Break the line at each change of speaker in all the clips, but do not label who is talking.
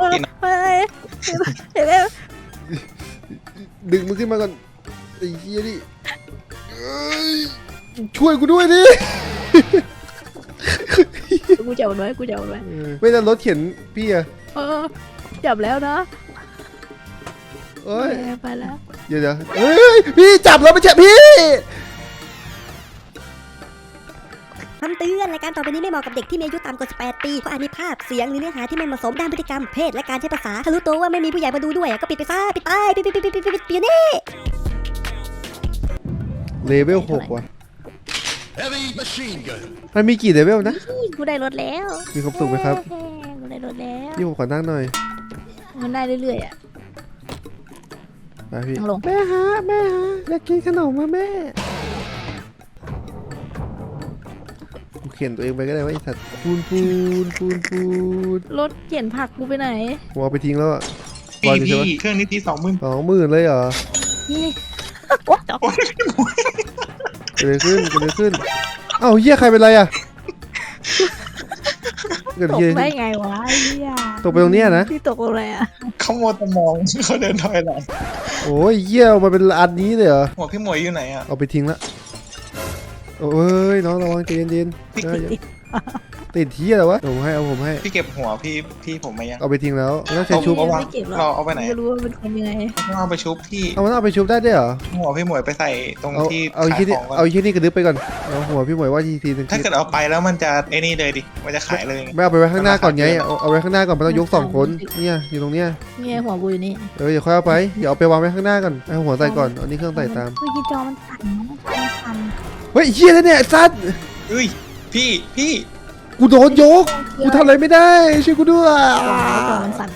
ดึงมันขึ้นมาก่อนไอ้เหี้ยนี่ช่วยกูด้วยดิ
กูจับมันไว้กูจับมันไว้
ไม่ได้รถเข็นพี่อะ
จับแล้วนะ
เอ้ย
ไปแล้ว
เดี๋ยวเฮ้ยพี่จับแล้วไม่ใช่พี่
คำเตือนรายการต่อไปนี้ไม่เหมาะกับเด็กที่มีอายุต่ำกว่า 18 ปีเพราะอาจมีภาพเสียงหรือเนื้อหาที่ไม่เหมาะสมด้านพฤติกรรมเพศและการใช้ภาษาถ้ารู้ตัวว่าไม่มีผู้ใหญ่มาดูด้วยก็ปิดไปซะปิดไปปิดนี่
เลเวล6ว่ะมันมีกี่เลเวลนะ
กูได้รถแล้ว
มีความสุขไหมครับ
กูได้รถแล้ว
พี่ผมขอนั่งหน่อย
มันได้เรื่อยๆอ่ะ
ไปพี่
นั่งลง
แม่ฮะอยากกินขนมมาแม่กูเขียนตัวเองไปก็ได้ว่าไอ้สัตว์ปูน
รถเขียนผักกูไปไหน
ผมเอาไปทิ้งแล้วอ่ะ
พี่เครื่องนี้ตี20,000
เลยเหรอ
นี่ว้าว
โอ้ยพี่หมวย
เกิดอะไรขึ้นเอ้าเหี้ยใครเป็นไรอ่ะเกิด
ตก
เหี้ย
ได้ไงวะไอ้เหี้ย
ตกไปตรงเนี้ยนะ
ที่ตกอะไรอ่ะ
เขาโมตมองเขาเดินถอยหลัง
โอ้ยเหี้ยเอามาเป็นอันนี้เลยเหรอ
หัวพี่หมวยอยู่ไหนอ่ะ
เอาไปทิ้งละโอ้ยน้องระวังใจเย็นๆติดเหี้ยเหรอวะผมให้
พี่เก็บหัวพี่ผมมายัง
เอาไปทิ้งแล้วแล้วใช้ชุบ
เอาวะ
ไม่เก็บหรอก
เราเอาไปไหน
ไม่รู้ว่าเป็นคนยังไง
ต้องเอาไปชุบพี่
เอามันเอาไปชุบได้ด้วยเหรอ
หัวพี่หมวยไปใส่ตรง
เอา
ที่
เอา
ขาย
ที่นี่
ของก่อน
เอาที่นี่กระดึ๊บไปก่อนเอาหัวพี่หมวยว่าทีนึง
ถ้าเกิดเอาไปแล้วมันจะไอ้นี่เลยดิมันจะขายเลย
ไม่เอาไปไว้ข้างหน้าก่อนไงเอาไว้ข้างหน้าก่อนมันต้องยก2 คนเนี่ยอยู่ตรงเนี้ย
เนี่ยหัวกูอยู่นี่
เดี๋ยวค่อยเอาไปเดี๋ยวเอาไปวางไว้ข้างหน้าก่อนเอาหัวใส่ก่อนเอานี่เครื่องใส่ตาม
เมื่อกี้จอมันสั่นมัน
เฮ้ยเหี้ยแล้วเนี่ยซัด
เอ้ยพี่
กูโดนยกกูทำอะไรไม่ได้ช่วยกูด้วย
จอมันสั่น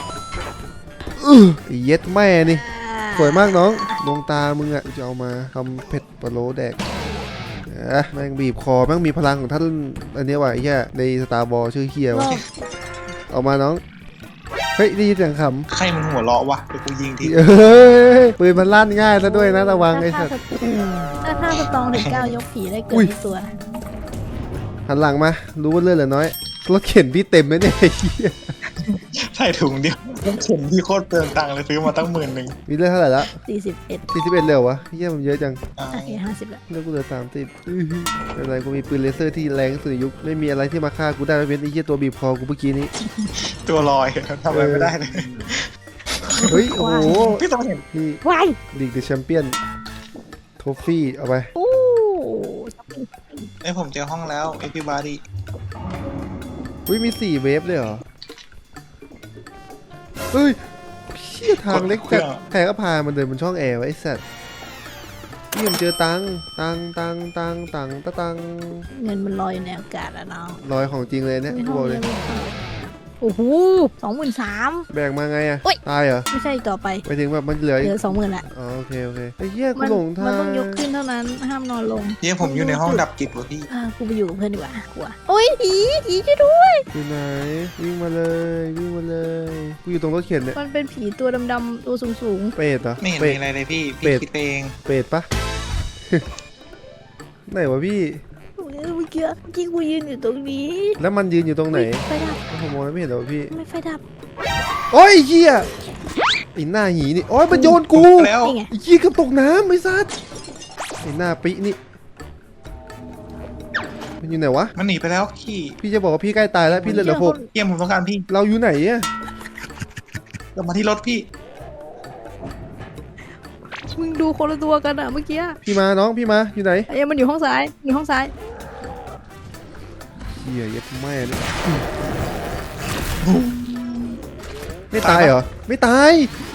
ไอ้เย็ดแม่นี่สวยมากน้องดวงตามึงอ่ะจะเอามาทำเผ็ดปลาโลแดกแม่งบีบคอแม่งมีพลังของท่านอันนี้ว่ะไอ้เหี้ยในสตาร์บอลชื่อเฮียวะเอามาน้องเฮ้ยได้ยินเสียงขำ
ใครมันหัวเราะวะเดี๋ยวกูยิงที
ปืนมันลั่นง่ายซะด้วยนะระวังไอ้สัส
ถ้าสตองถึง9ยกผีได้เกิ
อุ้
น
ย
ตัว
หันหลังมารู้ว่าเลือดเหลือน้อยรถเข็นพี่เต็มไหมเนี่ยไอ้เหี้ย
ใส่ถุงเดียวต้องเข็นพี่โคตรเปลืองตังค์เลยซื้อมาตั้ง10,000
มีเลือดเท่าไหร่ละ
41
41เลยเหรอวะเหี้ยมันเยอะจัง
อ่า
โอเค50แล้ว
เลือดกูเหลือ30ไม่เป็นไรกูมีปืนเลเซอร์ที่แรงที่สุดในยุคไม่มีอะไรที่มาฆ่ากูได้ไม่เป็นไอ้เหี้ยตัวบีบคอกูเมื่อกี้นี้
ตัวลอยทำอะไรไม่ได้เลย
เฮ้ยโอ้โห
พี่ต้องเห็น
นี่
วาย
ลีกเดอะแชมเปี้ยนโทฟี่เอาไป
โอ้
ไอ้ผมเจอห้องแล้ว everybody
อุ้ยมี4 เวฟเลยเหรอเฮ้ยเชี่ยทางเล็กจัดใครก็พามันเดินบนช่องแอร์ไว้ไอ้สัตว์นี่ผมเจอตัง
เงินมันลอยอยู่ในอากาศอะน้อง
รอยของจริงเลยเนี่ยกูบอกเลย
โอ้โห23,000
แบ่งมาไงอะ
โอ๊ย
ตายเหรอ
ไม่ใช่อีกต่อไป
ไปถึงแบบมันเหลือ
เหลือ 20,000ละ
อ๋อโอเคไอ้เหี้ยกู
มัน
หลงทาง
มันต้องยกขึ้นเท่านั้นห้ามนอนลง
เยี่ยผมอยู่ในห้องดับจิตวะพี่
กูไปอยู่กับเพื่อนดีกว่ากลัวโอ้ยผีช่วยด้วย
อยู่ไหนวิ่งมาเลยกูอยู่ตรงรถเข็นเนี่ย
มันเป็นผีตัวดำๆตัวสูง
เป็ดเหรอ
ไม่เห็น
เป็
มี
ด
อะไรเลยพี่
เป็ด
พี่คิดไปเอง
เป็ดปะ ไหนวะพี่
ๆเมื่อกี้กูยืนอยู่ตรงนี้
แล้วมันยืนอยู่ตรงไหน
ไฟดับ
ผมมองไม่เห็นหรอกพี่
ไม่ไฟดับ
โอ้ยเหี้ยไอ้หน้าหีนี่โอ้ยมันโยนกู
แล้ว
นี่ไง
ไอ้เหี้ยก็ตกน้ำไอ้สัสไอ้หน้าปินี่มันอยู่ไหนวะ
มันหนีไปแล้วพี่
พี่จะบอกว่าพี่ใกล้ตายแล้วพี่เหลือหก
เยี่ยมผมต้องการพี่
เราอยู่ไหนอะ
กลับมาที่รถพี่
มึงดูคนละตัวกันอะเมื่อกี้
พี่มาน้องพี่มาอยู่ไหน
ไอ้มันอยู่ห้องซ้าย
เหี้ยยัดแม่เลยไม่ตายเหรอไม่ตาย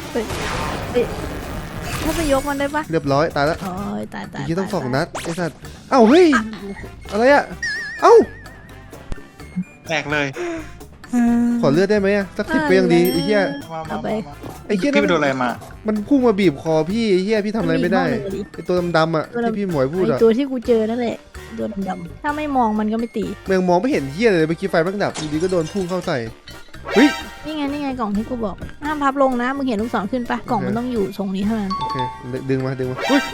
ถ้าไปยกมันได้ปะ
เรียบร้อยตายแล้ว
โอ้ยตาย
ไอ้เหี้ยต้อง2 นัดไอ้สัสเอ้าเฮ้ยอะไรอะเอ้า
แตกเลย
ขอเลือดได้ไหมอะสัก10ก็ยังดีไอ้เหี้ย
มา
ไอ้เหี้ย
พี่ไปโดนอะไรมา
มันพุ่งมาบีบคอพี่ไอ้เหี้ยพี่ทำอะไรไม่ได้ไอ้ตัวดำๆอะที่พี่หมวยพูด
ไอ
อะ
ตัวที่กูเจอนั่นแหละตัวดำๆถ้าไม่มองมันก็ไม่ตี
เมืองมองไม่เห็นเหี้ยเลยเมื่อกี้ไฟมันดับอยู่ดีก็โดนพุ่งเข้าใส่เฮ้ย
นี่ไงกล่องที่กูบอกห้ามพับลงนะมึงเห็นลูกศรขึ้นปะกล่องมันต้องอยู่ทรงนี้เท่านั้น
โอเคดึงมาเฮ้ย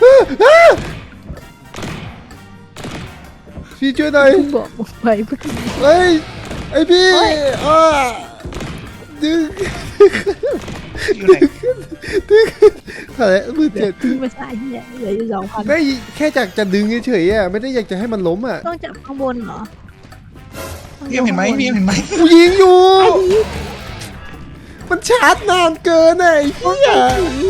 พี่ช่วยหน่อย
กูบอกมึงไปเมื่อกี้
เฮ้ยไอพี่
เฮ้ย
อ้าดึง
อยู่ไหน
อะไรมือเจ็ด
ทิ้งไปซะไอ้เหี้ยเหลืออยู่2,000
ไม่แค่อยากจะดึงเฉยๆอ่ะไม่ได้อยากจะให้มันล้มอ่ะ
ต้องจับข้างบนเหรอ
พี่เห็นไหมพี่เห็นไหม
กูยิงอยู่ มันชาร์จนานเกินอ่ะไอ้เหี้ย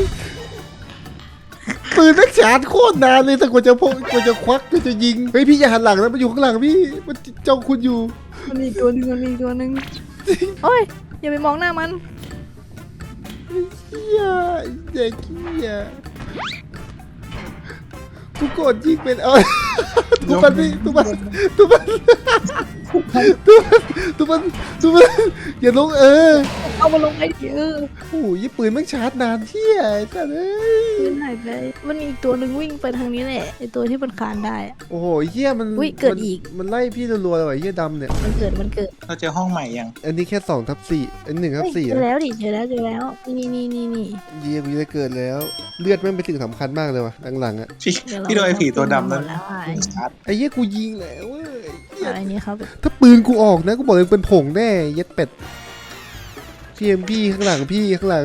ปืนนักชาร์จโคตรนานเลยแต่กว่าจะพกกว่าจะควักกว่าจะยิงเฮ้ยพี่อย่าหันหลังนะมันอยู่ข้างหลังพี่มันจ้องคุณอยู่
มันมีตัวหนึงโอ้ยอย่าไปมองหน้ามัน
เหี้ยเด็กเหี้ยกูกดยิงเป็นทุกมันพี่ทุกมันอย่าลง
เอามาลงไปดิ
โอ้ยปืนแม่งชาร์จนานเที่ยไอ้สัสเอ้ย
ปืนหายไปมันมีอีกตัวหนึ่งวิ่งไปทางนี้แหละไอตัวที่มันคานได้อะ
โอ้โหเหี้ยมัน
อุ๊ยเกิดอีก
มันไล่พี่รัวๆเลยว่ะเหี้ยดำเนี่ย
มันเกิด
เราเจอห้องใหม่ยัง
อันนี้แค่2/4อัน1/4
เจอแล้วดิเจอแล้วนี่
เยี่ยกูจะเกิดแล้วเลือดแม่งเป็นสิ่งสำคัญมากเลยว่ะหลังๆอ่ะ
พี่โดนไอ้ผีตัวดำนั้น
แล้วไอ้
ชาร์จ
ไอ้เหี้ยกูยิงแล้วเว้ยเหี้ย
อันนี้เขาแบบ
ถ้าปืนกูออกนะกูบอกเลยเป็นผงแน่เย็ดเป็ดพี่ข้างหลังพี่ข้างหลัง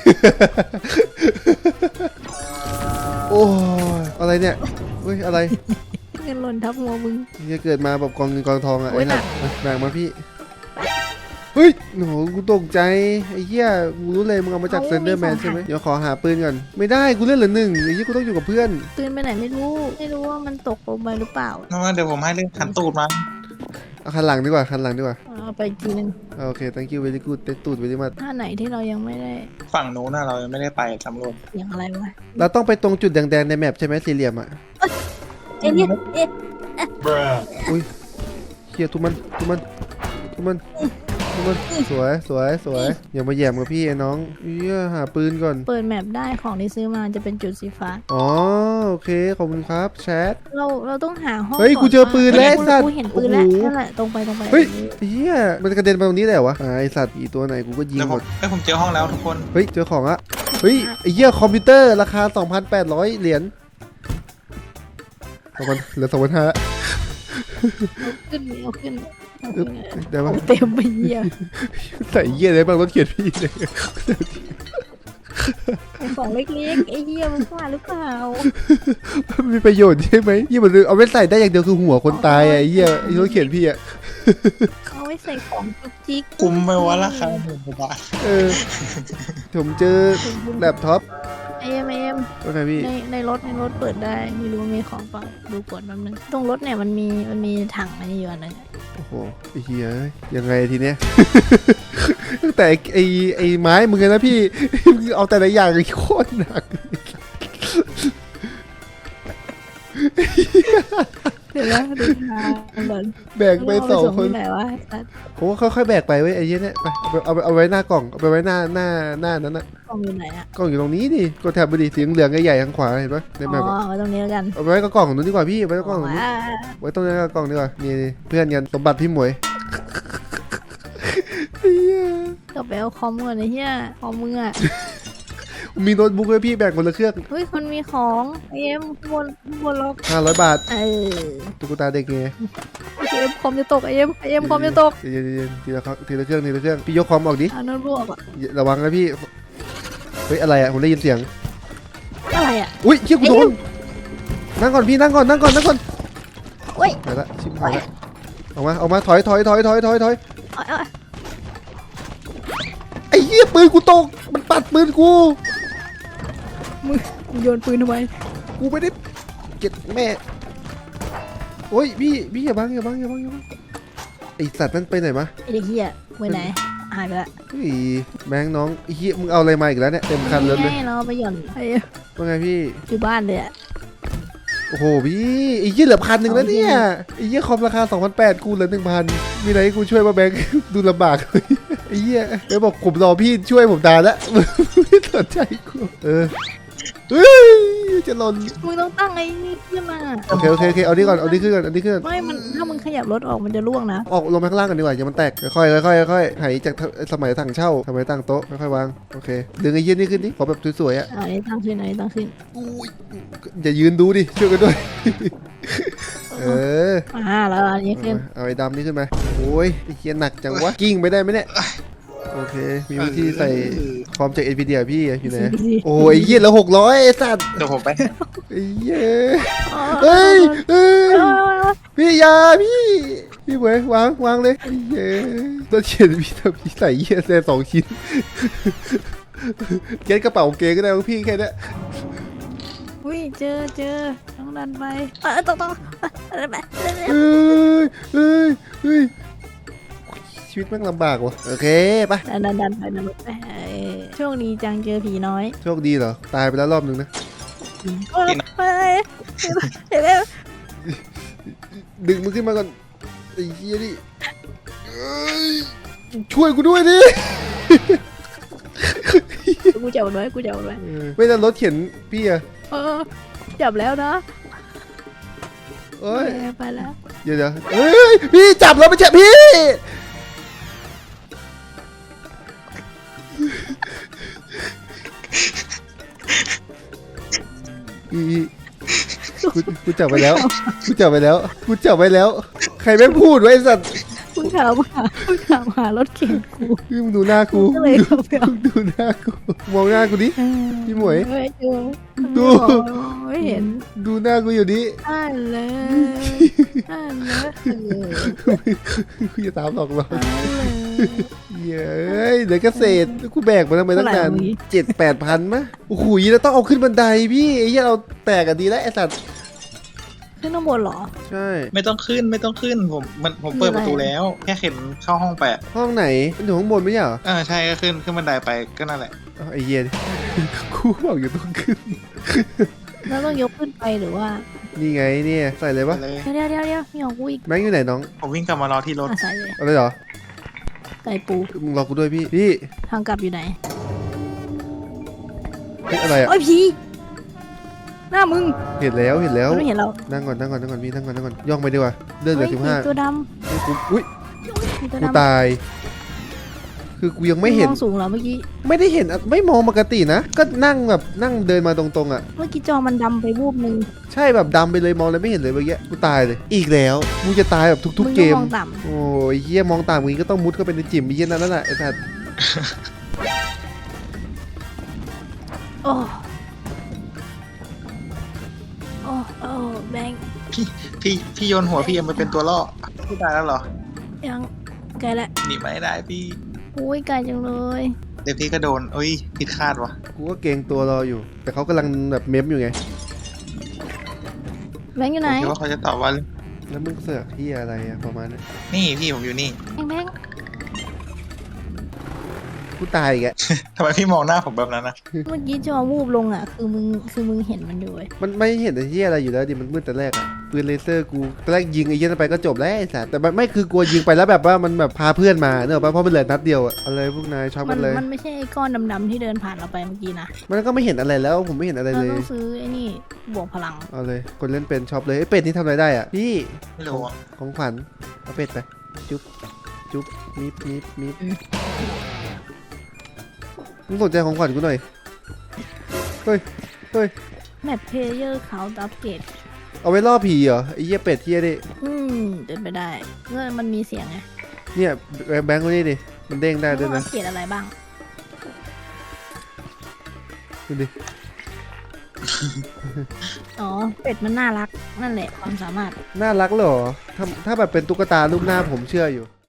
โอ้ยอะไรเนี่ยเฮ้ยอะไร
เงินหล่นทับหัวมึง
จะเกิดมาแบบกองเงินกองทองอ่ะ
โอ้
ไอ้
ย
หนัก
หนัก
หนักมาพี่เฮ้ยโอ้โหกูตกใจไอ้เหี้ยกูรู้เลยมึงเอามาจากเซนเดอร์แมนใช่ไหมเดี๋ยวขอหาปืนก่อนไม่ได้กูเล่นเหลือ1ไอ้เหี้ยกูต้องอยู่กับเพื่อน
ปืนไปไหนไม่รู้ว่ามันตกลงไปหรือเปล่า
เดี๋ยวผมให้เรื่องขันตูดมา
เอาคันหลังดีกว่าคันหลังดีกว่า
เอาไปอีกทีนึง
โอเค thank you very good เต็มตูด very much
ถ้าไหนที่เรายังไม่ได้
ฝั่งนู้นน่ะเรายังไม่ได้ไปสำรวจ
เสียงอะไรวะ
เราต้องไปตรงจุดแดงๆในแมปใช่ไหมสี่เหลี่ยมอ่ะ
เอ๊ะเนี่ยเอ๊ะ
อุ้ยเฮียทุบมันสวยอย่ามาแย่มกับพี่ไอ้น้องเฮียหาปืนก่อน
เปิดแมปได้ของที่ซื้อมาจะเป็นจุดสีฟ้า
อ๋อโอเคขอบคุณครับแชท
เราต้องหาห้อง
เฮ้ย
น
กูเจอปืนแล้วไอ้สัตว์
กูเห็นปืนแล้ว
โอ้โห
นั่นแหละตรงไป
เฮ้ยเฮียมันกระเด็นไปตรงนี้เลยเหรอวะไอสัตว์อีตัวไหนกูก็ยิง
เดี๋ยว
ห
ผม มผมเจอห้องแล้วทุกคน
เฮ้ยเจอของละเฮ้ยไอ้เหี้ยคอมพิวเตอร์ราคา 2,800 เหรียญเหลือ 2,500
เอาขึ้น
ได้ปะ
เต็มไปเยี่ย
ใส่เหี้ยอะไรบ้างรถเขียนพี่เลย
ของเล็กๆไอ้เยี่ยมันว่าหรือเปล่า
มันมีประโยชน์ใช่ไหมยี่มันเอาไว้ใส่ได้อย่างเดียวคือหัวคนตายอ่ะไอ้เหี้ยไอ้รถเขียนพี่อ่ะ
เขาไว้ใส่ของจุกจิก
คุ้มไหมวะราคา10,000 บาท
ผมเจอแล็ปท็อป
เอ็ม
ว่าไงพี่
ในรถเปิดได้ไม่รู้ว่ามีของเปล่าดูกดแป๊บนึงตรงรถเนี่ยมันมีถังอะไรอยู่อันนึง
โอ้โหไอ้เหี้ยยังไงทีเนี้ย ตั้งแต่ไอ้ไม้มึงนะพี่ มึงเอาแต่ละอย่างโคตรหนัก
เดี๋ยวนะดูทางก่อน
แบกไปสองคน
ไหนวะ
ผมว่าค่อยๆแบกไปเว้ยไอ้เหี้ยเนี่ยไปเอาไว้หน้ากล่องเอาไปไว้หน้านั้นนะ
กล้องอยู่ไหนอ่ะ
กล่องอยู่ตรงนี้ดิกดแถบไปดิสีเหลืองๆใหญ่ๆทางขวาเห็นปะใน
อ๋
แมป
อไว้ตรงนี้แล้วกัน
เอาไว้กับกล่องนู้นดีกว่าพี่ไว้กับกล่องนู้น
ว้า
ไว้ตรงนี้กับกล่องดีกว่านี่เพื่อนกันสมบัติพี่หมวยเหี้ย
ก็ไปเอาคอมก่อนไอ้เหี้ยคอมมึงอ่ะ
มีโน้ตบุ๊กเลยพี่แบกคนละเครื่อง
เฮ้ยมันมีของเอ็มข้างบนล็อก
500 บาท
ตุ๊
ตุ๊กตาเด็กไง
เอ็มคอมจะตกเอ็มคอมจะตก
เย็นๆทีละเครื่องพี่ยกคอมออกดิ
เอาโน้ตบุ๊กอ่ะ
ระวังนะพี่เฮ้ยอะไรอ่ะผมได้ยินเสียง
อะไรอ่ะ
อุ้ยเชี่ยกูโดนนั่งก่อนพี่นั่งก่อน
โอ้ย
ไปละชิบหายละออกมาถอย
เอา
ไอ้เหี้ยปืนกูตกมันปัดปืนกู
มึงโยนปืนทำไม
กูไม่ได้เก็บแม่โอ้ยพี่อย่าบังไอสัตว์นั่นไปไหนมะ
ไอ้เด็กเหี้ยไปไหนหายไปละ
เฮ้ยแบงค์น้องไอ้เหี้ยมึงเอาอะไรมาอีกแล้วเนี่ยเต็มคันเลย
ให้เราไปหย่อนไอ้
ว่าไงพี่
อยู่บ้านเลยอ่ะ
โอ้โหพี่ไอ้เหี้ยเหลือ1,100แล้วเนี่ยไอ้เหี้ยคอมราคา 2,800กูเหลือ 1,000มีอะไรให้กูช่วยป่ะแบงค์ ดูลำบากเลยไอ้เหี้ยเดี๋ยวบอกผมรอพี่ช่วยผมนานแล้ว ไม่สนใจกูเฮ้ยจะหล่น
มึงต้องตั้งไอ้นี่ขึ้นมา
โอเคเอานี่ก่อนขึ้นก่อน
ไม่มันถ้ามึงขยับรถออกมันจะล่วงนะ
ออกลงไปข้างล่างกันดีกว่าอย่ามันแตกค่อยๆหายจากสมัยถังเช่าสมัยตั้งโต๊ะค่อยๆวางโอเคดึงไอ้เหี้ยนี่ขึ้นดิขอแบบสวยๆอ่ะ
อันนี้ตั้งขึ้น
อย่ายืนดูดิช่วยกันด้วย
แล้วอันนี้ขึ้น
เอาไอ้ดำนี่ขึ้นมาโอ้ยไอ้เหี้ยหนักจังวะกิ้งไปได้ไหมเนี่ยโอเค มีวิธีใส่คอมจาก NVIDIA พี่อยู่ไหน
ดี
โอ้ยเหี้ยแล้ว600ไอ้สัตว์
เดี๋ยวผมไป
ไอ้เหี้ยเฮ้ยพี่อยาพี่เหมยวางเลยไอ้เหี้ยต้องเขียนพี่ใส่เหี้ยแซ่2 ชิ้นเก็ตกระเป๋าเกงก็ได้ของพี่แค่นี้
อุ้ยเจอต้องดันไปต้องดันไป
เฮ้ยชีวิตแม่งลำบากว่ะโอเคไป
ดันไปโชคดีจังเจอผีน้อย
โชคดีเหรอตายไปแล้วรอบนึงนะ
ไป
ดึงมันขึ้นมาก่อนไอ้เหี้ยนี่เอ้ยช่วยกูด้วยดิ
กูจับไว้
ไม่ได้รถเข็นพี่อะ
จับแล้วนะ
เอ้ย
ไปแล้ว
เดี๋ยวเฮ้ยพี่จับแล้วไม่ใช่พี่กูจับไปแล้วกูจับไปแล้ว ใครไม่พูดไว้ไอ้สัตว์
กูถามหารถเข็นกู
มึงดูหน้ากู
ก็เลยเข้าไปเอา
ดูหน้ากูมองหน้ากูดิ พี่หมวย ดู
ไม่เห็น
ดูหน้ากูอยู่ดิ
อ่านเลย
กูจะตามหลอกเราเย้ยเดี๋ยวเกษตรกูแบกมาทำไมตั้งนาน7-8 พันมะโอ้โหแล้วต้องเอาขึ้นบันไดพี่ไอ้เหี้ยเราแตกกันดีแล้วไอ้สัตว์
ขึ้นข้างบนเหรอ
ใช่
ไม่ต้องขึ้นผมเปิดประตูแล้วแค่เข็นเข้าห้องไป
ห้องไหนมันอยู่ข้างบนไม่ใช่เหรอ
ใช่ก็ขึ้นบันไดไปก็นั่นแหละ
อ้าวไอ้เหี้ยกูบอกอยู่ต้องขึ้น
แล้วต้องยกขึ้นไปหรือว่า
นี่ไงเนี่ยใส่เลยปะ
เลย
เดี๋ยวมีของกูอีก
แบงค์อยู่ไหนน้อง
ผมวิ่งกลับมารอที่รถ
ใส่เลย
อะไรเหรอ
ใส่ปู
มึงรอกูด้วยพี่
ทางกลับอยู่ไหน
เฮ้ยอะไรอ่ะ
โอ้ยผีหน้ามึง
เห็นแล้ว
มันไม่เห็นเรา
นั่งก่อนพี่นั่งก่อนย่องไปดีกว่าเลือดเหลือ
ฮ้ย
15
ตัวด
อุ้ย
ำมีตัว
กู
ดำ
ตาย คือกูยังไม่เห็น
มองสูงเหรอเมื่อกี้
ไม่ได้เห็นไม่มองปกตินะ ก็นั่งแบบนั่งเดินมาตรงๆอ่ะ
เมื่อกี้จอมันดำไปวูบนึง
ใช่แบบดำไปเลยมองเลยไม่เห็นเลยเมื่อกี้กูตายเลย อีกแล้วกูจะตายแบบทุก
มึง
ๆเกม
มองต่
โอ้ยเหี้ยมองตามมึงก็ต้องมุดเข้าไปในจิ๋มไอ้เหี้ยนั่นแหละไอ้สัส
ำโอ้โอ้แบงค์
พี่โยนหัวพี่เอ็มไปเป็นตัวล่อพี่ตายแล้วเหรอ
ยังไกลละ
หนีไม่ได้พี่
อุ้ยไกลจังเลย
เดี๋ยวพี่ก็โดนเอ้ยผิดคาดวะ
กูก็เกรงตัวรออยู่ แต่เขากำลังแบบเมมอยู่ไง
แบงค์อยู่
ผ
ไหน
มคิดว่าเขาจะตอบว่า
แล้วมึงเสือกที่อะไรอะประมาณนั้น
นี่พี่ผมอยู่นี่
แบงค์
กูตายอีกอะ
ทำไมพี่มองหน้าผมแบบนั้นนะ
เมื่อกี้จอวูบลงอ่ะคือมึงเห็นมันอยู่เว้ย
มันไม่เห็นไอ้ที่อะไรอยู่แล้วดิมันมืดแต่แรกอะปืนเลเซอร์กูตอนแรกยิงไอ้เหี้ยนั่นไปก็จบแล้วไอ้สัสแต่มันไม่คือกลัวยิงไปแล้วแบบว่ามันแบบพาเพื่อนมาเนอะป่ะเพราะมันเหลือนัดเดียวอะอะไรพวกนายช็อปกันเลย
มันไม่ใช่ไอ้ก้อนดำๆที่เดินผ่านเราไปเมื่อกี้นะ
มันก็ไม่เห็นอะไรแล้วผมไม่เห็นอะไร
เรา
เลย
ต้องซื้อไอ้นี่บวกพลัง
เอาเลยคนเล่นเป็นช็อปเลยไอ้เป็ดนี่ทำอะไรได้อะพี่
ไม่รู้อะ
ของขวัญเอาเป็ดไปจุ๊บจุ๊บมิบมึงสนใจของขวัญกูหน่อยเฮ้ย
แมปเพลเยอร์เขาอัปเกรด
เอาไว้ล่อผีเหรอไอ้เหี้ยเป็ดเหี้ยดิ
เป็นไปได้เมื่อมันมีเสียงไง
เนี่ยแบงค์คนนี้ดิมันเด้งได้ด้วย
มั
นะ
อัปเกรดอะไรบ้าง
ดูดิ
อ๋อ เป็ดมันน่ารัก นั่นแหละความสามารถ
น่ารักเหรอถ้าแบบเป็นตุ๊กตารูปหน้าผมเชื่ออยู่